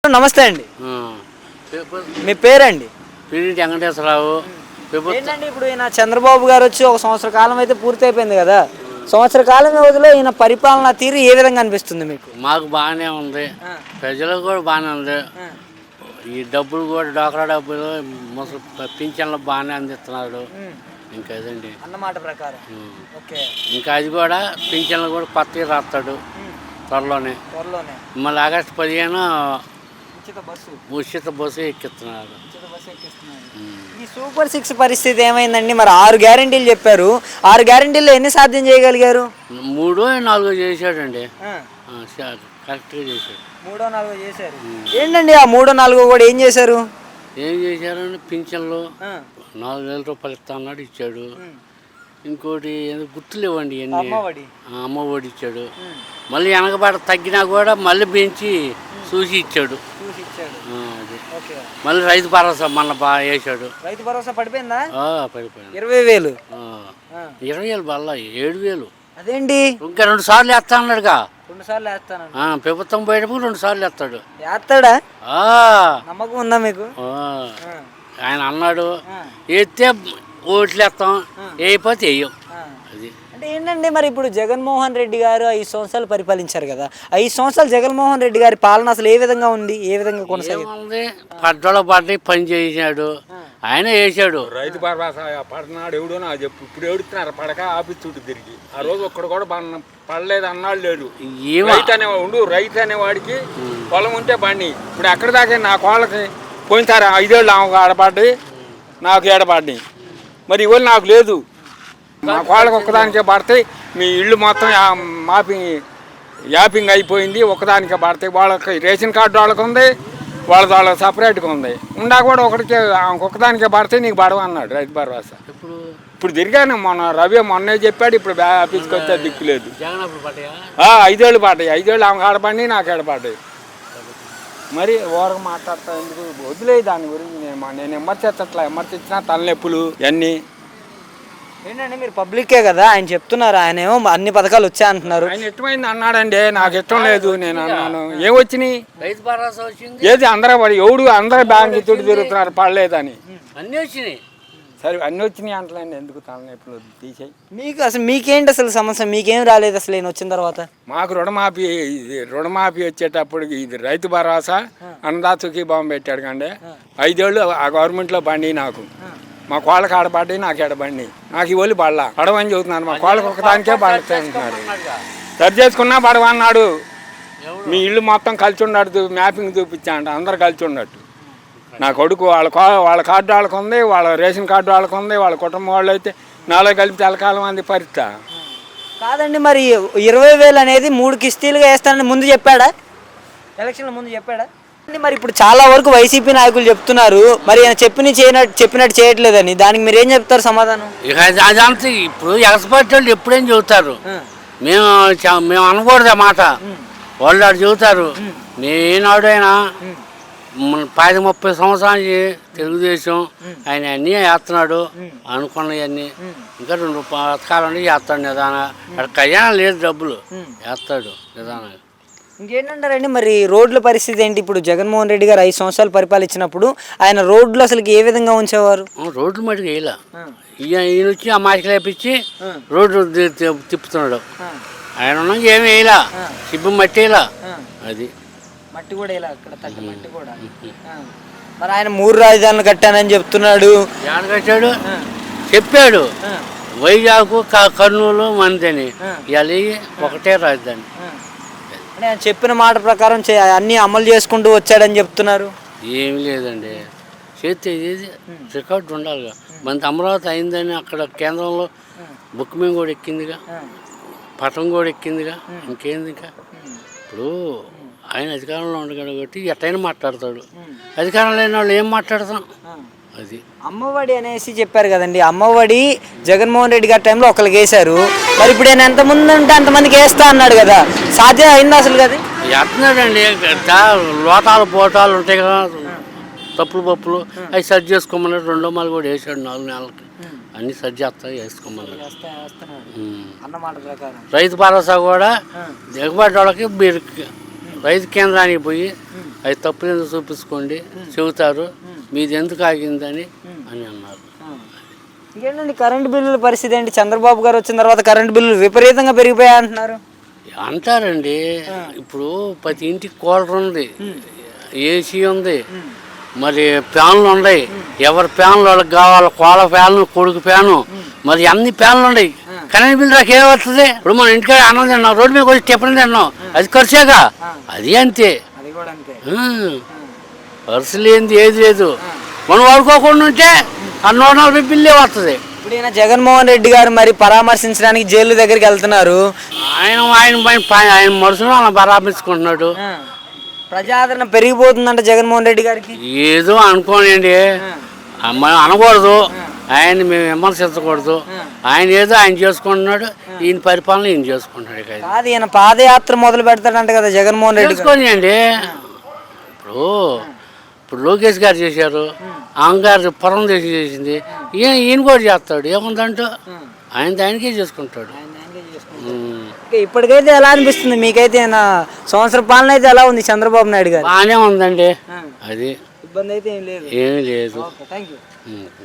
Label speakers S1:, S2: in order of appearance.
S1: నమస్తే అండి.
S2: ఆ,
S1: మీ పేరండి?
S2: పిడి వెంకటేశ్వరరావు.
S1: ఏంటండి ఇప్పుడు ఈయన చంద్రబాబు గారు వచ్చి ఒక సంవత్సర కాలం అయితే పూర్తి అయిపోయింది కదా. సంవత్సర కాలం వ్యవధిలో ఈయన పరిపాలన తీరు ఏ విధంగా అనిపిస్తుంది మీకు?
S2: మాకు బాగానే ఉంది, ప్రజలకు కూడా బాగానే ఉంది. ఈ డబ్బులు కూడా డోక్రా డబ్బులు ముసలి పింఛన్లు బాగానే అందిస్తున్నాడు. ఇంకా అదండి
S1: అన్నమాట ప్రకారం.
S2: ఇంకా అది కూడా పింఛన్లు కూడా కొత్తగా రాస్తాడు త్వరలోనే. మళ్ళీ ఆగస్టు 15 ఉచిత బస్సు ఎక్కిస్తున్నాడు.
S1: ఈ సూపర్ 6 పరిస్థితి ఏమైందండి? మరి 6 గ్యారెంటీలు చెప్పారు. 6 గ్యారెంటీల్లో ఎన్ని సాధ్యం చేయగలిగారు?
S2: 3 4 చేశాడండి. కరెక్ట్గా చేశాడు.
S1: 3 4 చేశారు. ఏంటండి ఆ 3 4 కూడా ఏం చేశారు?
S2: ఏం చేశారండి, పింఛన్లు 4,000 రూపాయలు ఇస్తా అన్నాడు, ఇచ్చాడు. ఇంకోటి గుర్తులేవండి ఇవన్నీ. అమ్మఒడి ఇచ్చాడు. మళ్ళీ వెనకబాట తగ్గినా కూడా మళ్ళీ పెంచి చూసి ఇచ్చాడు. మళ్ళీ రైతు భరోసా మొన్న బాగా వేసాడు.
S1: రైతు భరోసా పడిపోయిందా?
S2: పడిపోయింది.
S1: 20,000.
S2: 20,000 బల్ల 7,000.
S1: అదేంటి
S2: ఇంకా 2 సార్లు వేస్తా అన్నాడుగా.
S1: 2 సార్లు వేస్తాను.
S2: ప్రభుత్వం పోయేటప్పుడు 2 సార్లు వేస్తాడు.
S1: వేస్తాడా? నమ్మకం ఉందా మీకు?
S2: ఆయన అన్నాడు వేస్తే ఓట్లు వేస్తాం, వేయకపోతే వేయం. అది
S1: అంటే ఏంటండి మరి ఇప్పుడు జగన్మోహన్ రెడ్డి గారు 5 సంవత్సరాలు పరిపాలించారు కదా. 5 సంవత్సరాలు జగన్మోహన్ రెడ్డి గారి పాలన అసలు ఏ విధంగా ఉంది? ఏ విధంగా కొనసాగింది?
S2: పడ్డోళ్ళ పడ్డ పని చేశాడు, ఆయన వేసాడు.
S3: రైతు భరోసా పడినాడు ఎవడో నాకు చెప్పు. ఇప్పుడు ఏడుతున్నారు పడక ఆఫీస్ చుట్టూ తిరిగి. ఆ రోజు ఒక్కడు కూడా పడలేదు అన్నాడు లేడు. రైతు అనేవాడికి పొలం ఉంటే బండి. ఇప్పుడు ఎక్కడ దాకా నా కోళ్ళకి పోయినసారి 5 ఏళ్ళు ఆమెకు ఆడపడ్డాయి, నాకు ఏడపడ్డాయి. మరి ఇవాళ నాకు లేదు. మా కోళ్ళకి ఒక్కదానికే పడతాయి. మీ ఇల్లు మొత్తం యాపింగ్ అయిపోయింది. ఒక్కదానికే పడతాయి. వాళ్ళకి రేషన్ కార్డు వాళ్ళకి ఉంది, వాళ్ళకి సపరేట్గా ఉంది. ఉండా కూడా ఒకటికే ఒక్కదానికే పడితే నీకు పడవ అన్నాడు రైతు భరోసా. ఇప్పుడు తిరిగాను. మొన్నే చెప్పాడు. ఇప్పుడు ఆఫీస్కి వస్తే దిక్కు లేదు. 5 ఏళ్ళు పడ్డాయి. 5 ఏళ్ళు ఆమెకు ఆడపడి నాకు ఏడపడ్డాయి. మరి ఓరగా మాట్లాడతా ఎందుకు? వదిలే దాని గురించి. నేను విమర్శించినా తలనొప్పులు ఇవన్నీ.
S1: ఏంటంటే మీరు పబ్లిక్కే కదా, ఆయన చెప్తున్నారు. ఆయన ఏమో అన్ని పథకాలు వచ్చాయి అంటున్నారు.
S3: ఆయన ఇష్టమైంది అన్నాడండి, నాకు ఇష్టం లేదు. నేను అన్నాను ఏమొచ్చినాయి?
S2: రైతు భరోసా వచ్చింది.
S3: ఏది అందరూ బ్యాంకు చుట్టూ తిరుగుతున్నారు పడలేదని.
S2: అన్నీ వచ్చినాయి.
S3: సరే అన్నీ వచ్చినాయి అంటలేండి, ఎందుకు తలనొప్పులు తీసేయి.
S1: మీకేంటి అసలు సమస్య? మీకేం రాలేదు అసలు నేను వచ్చిన తర్వాత?
S3: మాకు రుణమాఫీ వచ్చేటప్పుడు ఇది రైతు భరోసా అన్నదాతకి బాంబు పెట్టాడు కండి. 5 ఏళ్ళు ఆ గవర్నమెంట్లో బండి నాకు. మా కోళ్ళకి ఆడబడ్డాయి, నాకు ఎడబండి. నాకు ఇవ్వాలి బళ్ళ పడవని చెబుతున్నారు. మా కోళ్ళకి ఒకదానికే పడుతున్నారు. సరి చేసుకున్నా పడవన్నాడు. మీ ఇల్లు మొత్తం కలిసి ఉన్నాడు, మ్యాపింగ్ చూపించా అంట. అందరు కలిసి ఉన్నట్టు. నా కొడుకు వాళ్ళ కార్డు వాళ్ళకు ఉంది, వాళ్ళ రేషన్ కార్డు వాళ్ళకు ఉంది. వాళ్ళ కుటుంబం వాళ్ళు అయితే 4 కలిపి తెలకాలం అంది పరిస్థితి
S1: కాదండి. మరి 20,000 అనేది 3 కిస్తీలుగా వేస్తానని ముందు చెప్పాడా? ఎలక్షన్ల ముందు చెప్పాడా? మరి ఇప్పుడు చాలా వరకు వైసీపీ నాయకులు చెప్తున్నారు మరి ఆయన చెప్పినట్టు చేయట్లేదని. దానికి మీరు ఏం చెప్తారు సమాధానం?
S2: అదంతా ఇప్పుడు ఎక్స్పర్ట్ వాళ్ళు ఎప్పుడేం చెబుతారు. మేము అనకూడదు ఆ మాట. వాళ్ళు అటు చెబుతారు. నేనాడైనా 10-30 సంవత్సరానికి తెలుగుదేశం ఆయన అన్నీ వేస్తున్నాడు అనుకున్నవన్నీ. ఇంకా 2 పథకాలు చేస్తాడు నిదాన. అక్కడ ఖజానా లేదు, డబ్బులు వేస్తాడు నిదానంగా.
S1: ఇంకేంటంటారండి మరి రోడ్ల పరిస్థితి ఏంటి? ఇప్పుడు జగన్మోహన్ రెడ్డి గారు 5 సంవత్సరాలు పరిపాలించినప్పుడు ఆయన రోడ్లు అసలు ఏ విధంగా ఉంచేవారు?
S2: రోడ్లు మటుకు వేయలే. ఈయన వచ్చి ఆ మాసికలు వేపించి రోడ్డు తిప్పుతున్నాడు. ఆయన ఉన్నాక ఏమి వేయలా. సిబ్బు మట్టి వేయలా. అది
S1: మట్టి కూడా వేయలా. అక్కడ తగ్గ మట్టి కూడా. మరి ఆయన 3 రాజధానులు కట్టానని చెప్తున్నాడు.
S2: ఎవరు కట్టాడు? చెప్పాడు వైజాగ్, కర్నూలు, మందని. ఇవాళ ఒకటే రాజధాని.
S1: అంటే ఆయన చెప్పిన మాట ప్రకారం అన్నీ అమలు చేసుకుంటూ వచ్చాడని చెప్తున్నారు.
S2: ఏమి లేదండి, చేస్తే ఏది రికార్డు ఉండాలిగా. మన అమరావతి అయిందని అక్కడ కేంద్రంలో బుక్ మీద కూడా ఎక్కిందిగా, పటం కూడా ఎక్కిందిగా. ఇంకేంది? ఇంకా ఇప్పుడు ఆయన అధికారంలో ఉండగాడు కాబట్టి ఎట్టయినా మాట్లాడతాడు. అధికారం లేని వాళ్ళు ఏం మాట్లాడతాం? అది
S1: అమ్మఒడి అనేసి చెప్పారు కదండి. అమ్మఒడి జగన్మోహన్ రెడ్డి గారి టైంలో ఒకరికి వేశారు. మరి ఇప్పుడు ఆయన ఎంతమంది ఉంటే అంతమందికి వేస్తా అన్నాడు కదా. సాధ్యం అయిందా అసలు? కదా
S2: వేస్తున్నాడండి. లోటాలు పోటాలు ఉంటాయి కదా, తప్పులు పప్పులు అవి సరి చేసుకోమన్నాడు. 2 మాలు కూడా వేసాడు 4 నెలలకి. అన్ని సరి చేస్తా వేసుకోమన్నాడు అన్నమాట ప్రకారం. రైతు భరోసా కూడా దిగబడ్డ వాళ్ళకి రైతు కేంద్రానికి పోయి అది తప్పులు ఎందుకు చూపించుకోండి చెబుతారు, మీది ఎందుకు ఆగిందని అని అన్నారు.
S1: ఇంకేంటండి కరెంటు బిల్లుల పరిస్థితి ఏంటి? చంద్రబాబు గారు వచ్చిన తర్వాత కరెంటు బిల్లులు విపరీతంగా పెరిగిపోయాయి అంటున్నారు.
S2: అంటారండి. ఇప్పుడు ప్రతి ఇంటికి కూలర్ ఉంది, ఏసీ ఉంది, మరి ఫ్యాన్లు ఉన్నాయి. ఎవరి ఫ్యాన్లు వాళ్ళకి కావాలి, కోళ్ళ ఫ్యాను, కొడుకు ఫ్యాను, మరి అన్ని ఫ్యాన్లు ఉన్నాయి. కరెంట్ బిల్లు నాకు ఏమవుతుంది? ఇప్పుడు మన ఇంటికాడ అన్నం తిన్నాం, రోడ్డు మీద వచ్చి టిఫిన్ తిన్నాం, అది ఖర్చేగా, అది అంతే. ఖర్చు లేనిది ఏది లేదు. మనం వాడుకోకుండా ఉంటే ఆ 140 బిల్లే వస్తుంది.
S1: ఇప్పుడు ఈయన జగన్మోహన్ రెడ్డి గారు మరి పరామర్శించడానికి జైలు దగ్గరికి వెళ్తున్నారు.
S2: ఆయన మనసులో అలా పరామర్శించుకుంటున్నాడు.
S1: ప్రజాదరణ పెరిగిపోతుందంట జగన్మోహన్ రెడ్డి గారికి.
S2: ఏదో అనుకోనండి, మనం అనకూడదు, ఆయన్ని మేము విమర్శించకూడదు. ఆయన ఏదో ఆయన చేసుకుంటున్నాడు, ఈయన పరిపాలన ఈయన చేసుకుంటున్నాడు.
S1: కాదు, ఈయన పాదయాత్ర మొదలు పెడతాడంట కదా జగన్మోహన్ రెడ్డి.
S2: చేసుకోనియండి. ఇప్పుడు లోకేష్ గారు చేశారు, అహంగారు పురంధేశం చేసింది, ఈయన కూడా చేస్తాడు. ఏముందంటూ ఆయనకే చేసుకుంటాడు.
S1: ఇప్పటికైతే ఎలా అనిపిస్తుంది మీకైతే? సంవత్సర పాలన అయితే ఎలా ఉంది చంద్రబాబు నాయుడు గారు?
S2: బాగానే ఉందండి, అది
S1: ఇబ్బంది అయితే ఏం లేదు.
S2: ఏమీ లేదు.
S1: Thank you.